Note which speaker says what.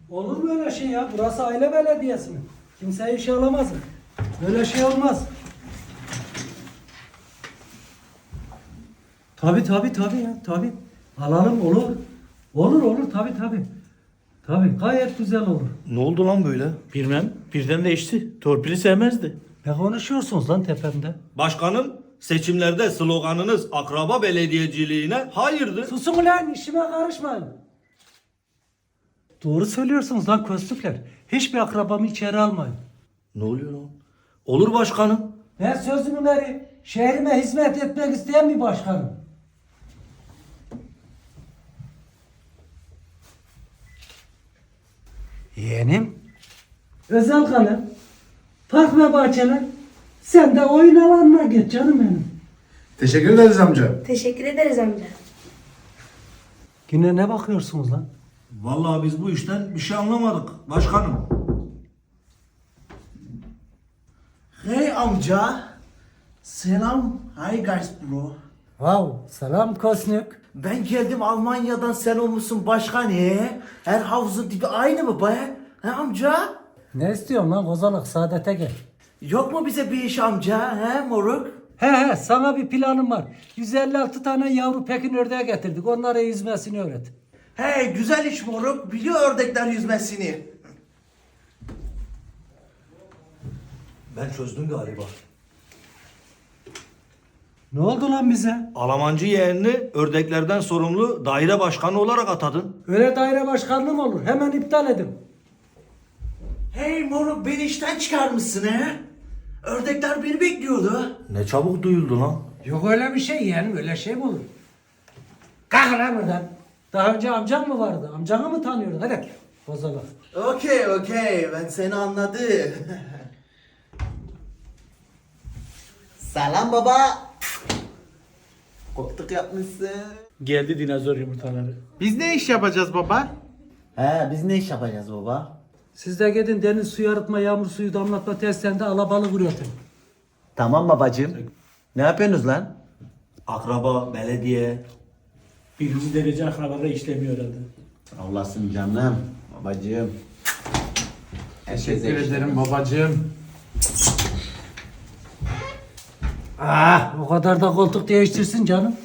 Speaker 1: Olur mu öyle şey ya? Burası aile belediyesi mi? Kimseyi işe alamazsın. Böyle şey olmaz. Tabii ya tabii. Alalım olur. Olur tabii. Tabii gayet güzel olur.
Speaker 2: Ne oldu lan böyle?
Speaker 3: Bilmem. Birden değişti. Torpili sevmezdi.
Speaker 1: Ne konuşuyorsunuz lan tepemde?
Speaker 2: Başkanım, seçimlerde sloganınız akraba belediyeciliğine hayırdır.
Speaker 1: Susun ulan, işime karışmayın. Doğru söylüyorsunuz lan köstükler. Hiçbir akrabamı içeri almayın.
Speaker 2: Ne oluyor lan? Olur başkanım.
Speaker 1: Ben sözümün eri, şehrime hizmet etmek isteyen bir başkanım. Yeğenim, özel kalem, park ve bahçeler, sen de oyun alanına geç canım benim.
Speaker 4: Teşekkür ederiz amca.
Speaker 5: Teşekkür ederiz amca.
Speaker 1: Yine ne bakıyorsunuz lan?
Speaker 2: Vallahi biz bu işten bir şey anlamadık başkanım.
Speaker 6: Hey amca. Selam. Hi guys bro.
Speaker 1: Wow, selam Kosnük.
Speaker 6: Ben geldim Almanya'dan, sen olmuşsun başkan he. Her havuzun dibi aynı mı be? He amca?
Speaker 1: Ne istiyorsun lan kozalak, saadete gel.
Speaker 6: Yok mu bize bir iş amca he moruk?
Speaker 1: He sana bir planım var. 156 tane yavru Pekin ördeği getirdik. Onlara yüzmesini öğret.
Speaker 6: Hey güzel iş moruk. Biliyor ördekler yüzmesini.
Speaker 2: Ben çözdüm galiba.
Speaker 1: Ne oldu lan bize?
Speaker 2: Alamancı yeğenini ördeklerden sorumlu daire başkanı olarak atadın.
Speaker 1: Öyle daire başkanlığı mı olur? Hemen iptal edin.
Speaker 6: Hey moruk, beni işten çıkarmışsın he. Ördekler beni bekliyordu.
Speaker 2: Ne çabuk duyuldu lan.
Speaker 1: Yok öyle bir şey yani, öyle şey mi olur? Kalk lan buradan. Daha önce amcan mı vardı? Amcanı mı tanıyordun? Hadi kozalak.
Speaker 6: Okey ben seni anladım. Selam baba. Koktuk yapmışsın.
Speaker 3: Geldi dinozor yumurtaları.
Speaker 7: Biz ne iş yapacağız baba?
Speaker 6: He biz ne iş yapacağız baba?
Speaker 1: Siz de gidin deniz suyu arıtma, yağmur suyu damlatma testlerinde alabalık üretin.
Speaker 6: Tamam babacığım. Ne yapıyorsunuz lan?
Speaker 2: Akraba, belediye.
Speaker 3: Birinci derece akrabada işlemiyor herhalde.
Speaker 6: Allah'sın canım babacığım.
Speaker 7: Teşekkür ederim babacığım.
Speaker 1: O kadar da koltuk değiştirsin canım.